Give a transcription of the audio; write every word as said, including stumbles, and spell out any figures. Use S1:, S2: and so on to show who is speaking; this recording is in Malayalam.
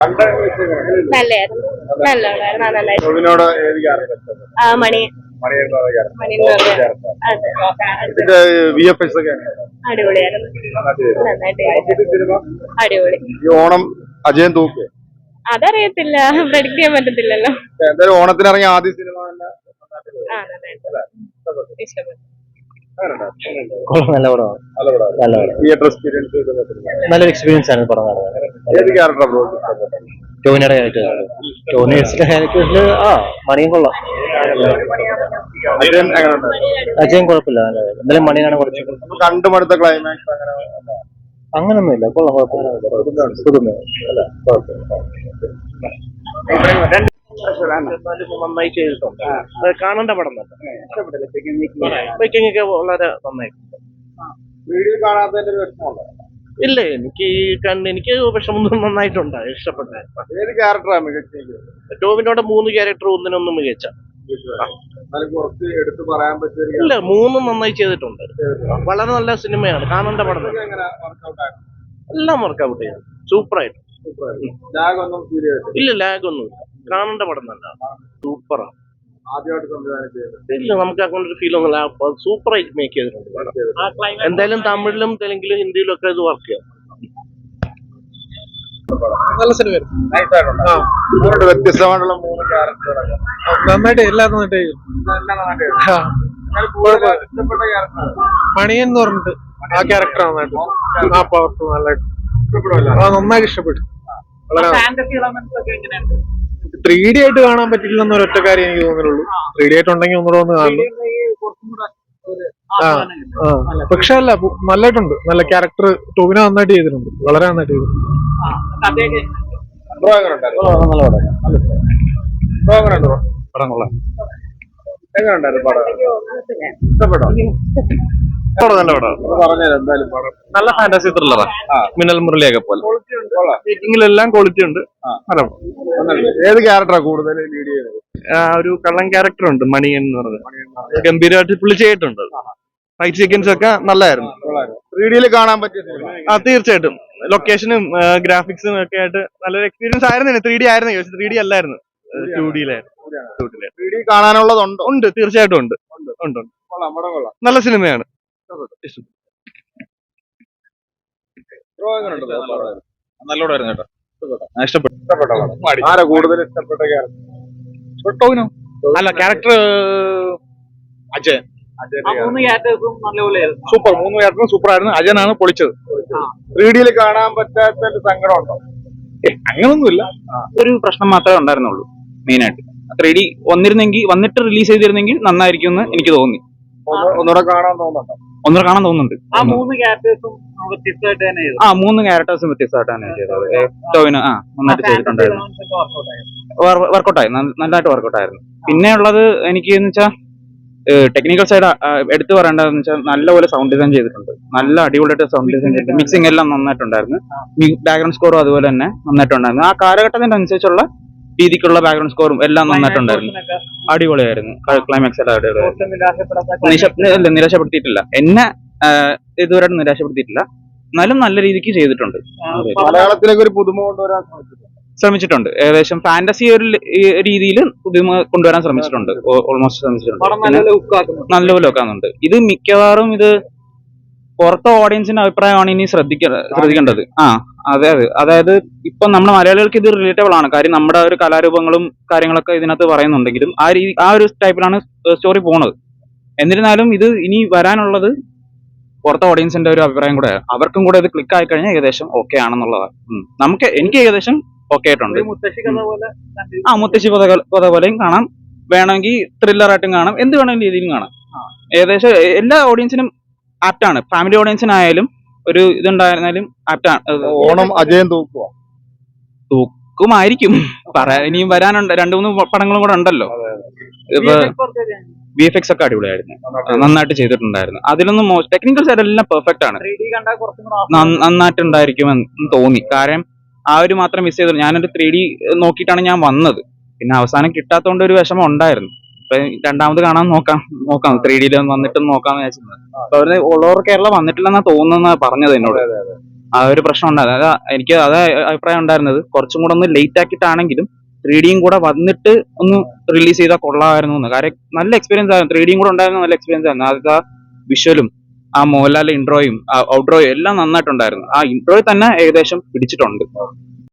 S1: നല്ലായിരുന്നു നല്ലതായിരുന്നു നന്നായിട്ട്
S2: ടോവിനോട് ഏത് ക്യാരക്ടർ ഇഷ്ടപ്പെട്ടു?
S1: ആ മണി
S2: മണിയേട്ടൻ ക്യാരക്ടർ.
S1: മണി എന്ന് പറഞ്ഞ അതെ
S2: ഇതിന്റെ വി എഫ് എക്സ് ഒക്കെ എങ്ങനെയാണ്?
S1: അടിപൊളിയായിരുന്നു നന്നായിട്ട് ചെയ്തു.
S2: സിനിമ
S1: അടിപൊളി.
S2: ഈ ഓണം അജയൻ തൂക്ക്
S1: അതറിയത്തില്ല, പ്രഡിക്ട് ചെയ്യാൻ പറ്റത്തില്ലല്ലോ.
S2: എന്തായാലും ഓണത്തിന് ഇറങ്ങിയ ആദ്യ സിനിമ തന്നെ
S1: ആ നന്നായിട്ട് ഇഷ്ടപ്പെട്ടു.
S3: നല്ല പടമാണ്.
S2: നല്ല പടമാണ്.
S3: നല്ല പടം.
S2: തിയേറ്റർ എക്സ്പീരിയൻസ്
S3: നല്ലൊരു എക്സ്പീരിയൻസ് ആണ് പടം കാണുന്നത്.
S2: ഏത് ക്യാരക്ടർ
S3: ടോവിനോയുടെ ക്യാരക്ടർ ടോവിനോ ക്യാരക്ടറിൽ ആ മണിയും കൊള്ളാം.
S2: അജയൻ എങ്ങനെയുണ്ട്?
S3: അജയൻ കുഴപ്പമില്ല, നല്ല എന്തായാലും മണിയാണ് കുറച്ച്
S2: കണ്ടുമടുത്ത ക്ലൈമാക്സ് അങ്ങനെ
S3: അങ്ങനൊന്നുമില്ല, കൊള്ളാം, കുഴപ്പമില്ല. പുതുമ
S4: നന്നായി ചെയ്തിട്ടുണ്ട്. കാണേണ്ട പടം തന്നെ. മേക്കിംഗ് ഒക്കെ വളരെ നന്നായിട്ടുണ്ട്.
S2: വീഡിയോ കാണാത്തതിന്റെ ഒരു വിഷമമുണ്ടോ?
S4: ഇല്ല, എനിക്ക് ഈ കണ്ട് എനിക്ക് വിഷമൊന്നും നന്നായിട്ടുണ്ട്, ഇഷ്ടപ്പെട്ട.
S2: ഏത് ക്യാരക്ടറാണ് മികച്ച?
S4: ടോവിനോടെ മൂന്ന് ക്യാരക്ടർ ഒന്നിനൊന്നും മികച്ച.
S2: കുറച്ച് എടുത്ത് പറയാൻ പറ്റിയ
S4: ഇല്ല, മൂന്നും നന്നായി ചെയ്തിട്ടുണ്ട്. വളരെ നല്ല സിനിമയാണ്, കാണേണ്ട പടം തന്നെ. എല്ലാം വർക്കൗട്ട് ചെയ്തു, സൂപ്പറായിട്ട്. ഇല്ല, ലാഗ് ഒന്നുമില്ല, കാണേണ്ട പടം തന്നെ. സൂപ്പറാണ്.
S2: ആദ്യമായിട്ട് സംവിധാനം ചെയ്തത്
S4: ഇല്ല, നമുക്ക് അങ്ങനെ ഒരു ഫീൽ ഒന്നുമില്ല, സൂപ്പറായിട്ട് മേക്ക് ചെയ്തിട്ടുണ്ട് പടം. എന്തായാലും തമിഴിലും തെലുങ്കിലും ഹിന്ദിയിലും ഒക്കെ ഇത് വർക്ക് ചെയ്യാം.
S5: നല്ല സിനിമയായിരുന്നു.
S2: വ്യത്യസ്തമായിട്ടുള്ള മൂന്ന് ക്യാരക്ടറുകളൊക്കെ
S5: നന്നായിട്ട് എല്ലാം നന്നായിട്ട്
S2: ഇഷ്ടപ്പെട്ട ക്യാരക്ടർ
S5: മണിയൻ എന്ന് പറഞ്ഞിട്ട് ആ ക്യാരക്ടർ നന്നായിട്ട് ആ പവർഫുൾ നന്നായിട്ട് ആ നന്നായിട്ട് ഇഷ്ടപ്പെട്ടു. വളരെ ത്രീ ഡി ആയിട്ട് കാണാൻ പറ്റില്ല എന്നൊരു ഒറ്റ കാര്യം എനിക്ക് തോന്നുന്നുള്ളൂ. ത്രീ ഡി ആയിട്ട് ഉണ്ടെങ്കിൽ ഒന്നുകൂടെ ഒന്ന് കാണുന്നു. ആ ആ പക്ഷെ അല്ല, നന്നായിട്ടുണ്ട്. നല്ല ക്യാരക്ടർ ടോവിനോ നന്നായിട്ട് ചെയ്തിട്ടുണ്ട്, വളരെ നന്നായിട്ട് ചെയ്തിട്ടുണ്ട്.
S6: നല്ല ഫാന്റസി ത്രില്ലറാ, മിന്നൽ മുരളിയൊക്കെ പോലെ. മേക്കിങ്ങിലെല്ലാം ക്വാളിറ്റി ഉണ്ട്.
S2: ഏത് ക്യാരക്ടറാ കൂടുതൽ ലീഡ് ചെയ്യുന്നത്?
S6: ഒരു കള്ളൻ ക്യാരക്ടർ ഉണ്ട്, മണിയൻ എന്ന് പറഞ്ഞത്. ഗംഭീരമായിട്ട് പുള്ളി ചെയ്തിട്ടുണ്ട്. ഫൈറ്റ് സീക്വൻസ് ഒക്കെ നല്ലായിരുന്നു.
S2: ത്രീ ഡിയിൽ കാണാൻ പറ്റിയ സിനിമ?
S6: ആ തീർച്ചയായിട്ടും. ലൊക്കേഷനും ഗ്രാഫിക്സും ഒക്കെ ആയിട്ട് നല്ലൊരു എക്സ്പീരിയൻസ് ആയിരുന്നു. ത്രീ ഡി ആയിരുന്നു, ത്രീ ഡി അല്ലായിരുന്നു, ടു ഡിയിലായിരുന്നു.
S2: ത്രീ ഡി കാണാനുള്ളതുണ്ട്?
S6: ഉണ്ട്, തീർച്ചയായിട്ടും ഉണ്ട്. ഉണ്ട് നല്ല സിനിമയാണ്.
S7: നല്ലോടായിരുന്നു കേട്ടോ, ഇഷ്ടപ്പെട്ടു.
S2: ആരാ കൂടുതൽ ഇഷ്ടപ്പെട്ട ക്യാരക്ടർ?
S7: ടോവിനോ. അല്ല, ക്യാരക്ടർ അജയൻ. സൂപ്പർ, മൂന്ന് ക്യാരക്ടറും സൂപ്പർ ആയിരുന്നു. അജയനാണ് പൊളിച്ചത്.
S2: ത്രീ ഡിയിൽ കാണാൻ പറ്റാത്ത സങ്കടം ഉണ്ടോ?
S7: അങ്ങനൊന്നുമില്ല, ഒരു പ്രശ്നം മാത്രമേ ഉണ്ടായിരുന്നുള്ളൂ മെയിനായിട്ട്. ത്രീ ഡി വന്നിരുന്നെങ്കിൽ വന്നിട്ട് റിലീസ് ചെയ്തിരുന്നെങ്കിൽ നന്നായിരിക്കും എന്ന് എനിക്ക് തോന്നി.
S2: ഒന്നുകൂടെ കാണാൻ തോന്നുന്നുണ്ടോ?
S7: ഒന്നുകൂടെ കാണാൻ തോന്നുന്നുണ്ട്.
S4: ആ മൂന്ന് ക്യാരക്ടേഴ്സും വ്യത്യസ്തമായിട്ട് തന്നെ ചെയ്തു.
S7: ആ മൂന്ന് ക്യാരക്ടേഴ്സും വ്യത്യസ്തമായിട്ട് തന്നെ ചെയ്തത്. ടോവിനോ ആ നന്നായിട്ട് ചെയ്തിട്ടുണ്ടായിരുന്നു. വർക്കൗട്ടായി, നല്ലതായിട്ട് വർക്കൗട്ടായിരുന്നു. പിന്നെ ഉള്ളത് എനിക്ക് എന്ന് വെച്ചാൽ ടെക്നിക്കൽ സൈഡ് എടുത്തു പറയേണ്ടതെന്ന് വെച്ചാൽ നല്ലപോലെ സൗണ്ട് ഡിസൈൻ ചെയ്തിട്ടുണ്ട്. നല്ല അടിപൊളിയായിട്ട് സൗണ്ട് ഡിസൈൻ ചെയ്തിട്ടുണ്ട്. മിക്സിംഗ് എല്ലാം നന്നായിട്ടുണ്ടായിരുന്നു. ബാക്ക്ഗ്രൗണ്ട് സ്കോറും അതുപോലെ തന്നെ നന്നായിട്ടുണ്ടായിരുന്നു. ആ കാലഘട്ടത്തിന്റെ അനുസരിച്ചുള്ള രീതിക്കുള്ള ബാക്ക്ഗ്രൗണ്ട് സ്കോറും എല്ലാം നന്നായിട്ടുണ്ടായിരുന്നു. അടിപൊളിയായിരുന്നു. ക്ലൈമാക്സ് എല്ലാം അടിപൊളിയായിരുന്നു. നിരാശപ്പെടുത്തിയിട്ടില്ല എന്നെ, ഇതുവരെ നിരാശപ്പെടുത്തിയിട്ടില്ല. എന്നാലും നല്ല രീതിക്ക് ചെയ്തിട്ടുണ്ട്.
S2: മലയാളത്തിലേക്ക് ഒരു പുതുമ കൊണ്ടുവരാൻ
S7: ശ്രമിച്ചിട്ടുണ്ട്. ഏകദേശം ഫാന്റസി ഒരു രീതിയിൽ പുതുമ കൊണ്ടുവരാൻ ശ്രമിച്ചിട്ടുണ്ട്. ഓൾമോസ്റ്റ് ശ്രമിച്ചിട്ടുണ്ട്. നല്ലപോലെ വെക്കാനുണ്ട്. ഇത് മിക്കവാറും ഇത് പുറത്തെ ഓഡിയൻസിന്റെ അഭിപ്രായമാണ് ഇനി ശ്രദ്ധിക്ക ശ്രദ്ധിക്കേണ്ടത്. ആ അതെ അതെ അതായത് ഇപ്പൊ നമ്മുടെ മലയാളികൾക്ക് ഇത് റിലേറ്റബിൾ ആണ്. കാര്യം നമ്മുടെ ഒരു കലാരൂപങ്ങളും കാര്യങ്ങളൊക്കെ ഇതിനകത്ത് പറയുന്നുണ്ടെങ്കിലും ആ രീതി ആ ഒരു ടൈപ്പിലാണ് സ്റ്റോറി പോണത്. എന്നിരുന്നാലും ഇത് ഇനി വരാനുള്ളത് പുറത്തെ ഓഡിയൻസിന്റെ ഒരു അഭിപ്രായം കൂടെ, അവർക്കും കൂടെ ഇത് ക്ലിക്ക് ആയി കഴിഞ്ഞാൽ ഏകദേശം ഓക്കെ ആണെന്നുള്ളതാണ്. നമുക്ക് എനിക്ക് ഏകദേശം ഓക്കെ ആയിട്ടുണ്ട്. ആ മുത്തശ്ശി കഥ കഥ പോലെയും കാണാം, വേണമെങ്കിൽ ത്രില്ലറായിട്ടും കാണാം, എന്ത് വേണമെങ്കിലും രീതിയിലും കാണാം. ഏകദേശം എല്ലാ ഓഡിയൻസിനും ആപ്റ്റാണ്. ഫാമിലി ഓഡിയൻസിനായാലും ഒരു ഇതുണ്ടായിരുന്നാലും ആപ്റ്റാണ്.
S2: ഓണം അജയൻ തൂക്കുക
S7: തൂക്കുമായിരിക്കും. പറയാൻ ഇനിയും വരാനുണ്ട്, രണ്ടു മൂന്ന് പടങ്ങളും കൂടെ ഉണ്ടല്ലോ. ഇപ്പൊ വി എഫ് എക്സ് ഒക്കെ അടിപൊളിയായിരുന്നു, നന്നായിട്ട് ചെയ്തിട്ടുണ്ടായിരുന്നു. അതിലൊന്നും ടെക്നിക്കൽ സൈഡ് എല്ലാം പെർഫെക്റ്റ് ആണ്, നന്നായിട്ടുണ്ടായിരിക്കുമെന്ന് തോന്നി. കാരണം ആ ഒരു മാത്രം മിസ് ചെയ്തു. ഞാനൊരു ത്രീ ഡി നോക്കിയിട്ടാണ് ഞാൻ വന്നത്. പിന്നെ അവസാനം കിട്ടാത്തതുകൊണ്ട് ഒരു വിഷമം ഉണ്ടായിരുന്നു. അപ്പൊ രണ്ടാമത് കാണാൻ നോക്കാം നോക്കാം ത്രീ ഡിയിൽ വന്നിട്ട് നോക്കാന്ന് വിചാരിച്ചത്. അപ്പൊ അവര് ഓൾ ഓവർ കേരള വന്നിട്ടില്ലെന്നാ തോന്നുന്ന പറഞ്ഞത് എന്നോട്. ആ ഒരു പ്രശ്നം ഉണ്ടായിരുന്നു. അതായത് എനിക്ക് അതാ അഭിപ്രായം ഉണ്ടായിരുന്നത്, കുറച്ചും കൂടെ ഒന്ന് ലേറ്റ് ആക്കിയിട്ടാണെങ്കിലും ത്രീ ഡിയും കൂടെ വന്നിട്ട് ഒന്ന് റിലീസ് ചെയ്താൽ കൊള്ളാമായിരുന്നു എന്ന്. കാര്യം നല്ല എക്സ്പീരിയൻസ് ആയിരുന്നു, ത്രീ ഡിയും കൂടെ ഉണ്ടായിരുന്ന നല്ല എക്സ്പീരിയൻസ് ആയിരുന്നു. ആദ്യത്തെ ആ വിഷ്വലും ആ മോഹൻലാലിന്റെ ഇൻട്രോയും ഔട്ട്രോയും എല്ലാം നന്നായിട്ടുണ്ടായിരുന്നു. ആ ഇൻട്രോയിൽ തന്നെ ഏകദേശം പിടിച്ചിട്ടുണ്ട്.